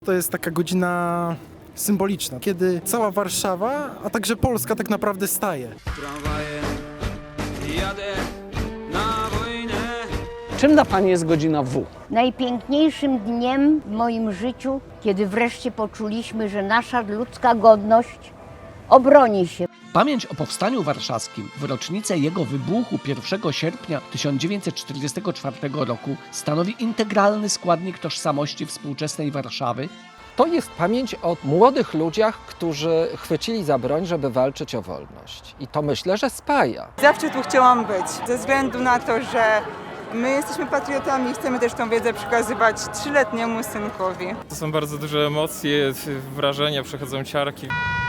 To jest taka godzina symboliczna, kiedy cała Warszawa, a także Polska tak naprawdę staje. Tramwajem jadę na wojnę. Czym dla Pani jest godzina W? Najpiękniejszym dniem w moim życiu, kiedy wreszcie poczuliśmy, że nasza ludzka godność obroni się. Pamięć o Powstaniu Warszawskim w rocznicę jego wybuchu 1 sierpnia 1944 roku stanowi integralny składnik tożsamości współczesnej Warszawy. To jest pamięć o młodych ludziach, którzy chwycili za broń, żeby walczyć o wolność. I to myślę, że spaja. Zawsze tu chciałam być, ze względu na to, że my jesteśmy patriotami i chcemy też tą wiedzę przekazywać 3-letniemu synkowi. To są bardzo duże emocje, wrażenia, przechodzą ciarki.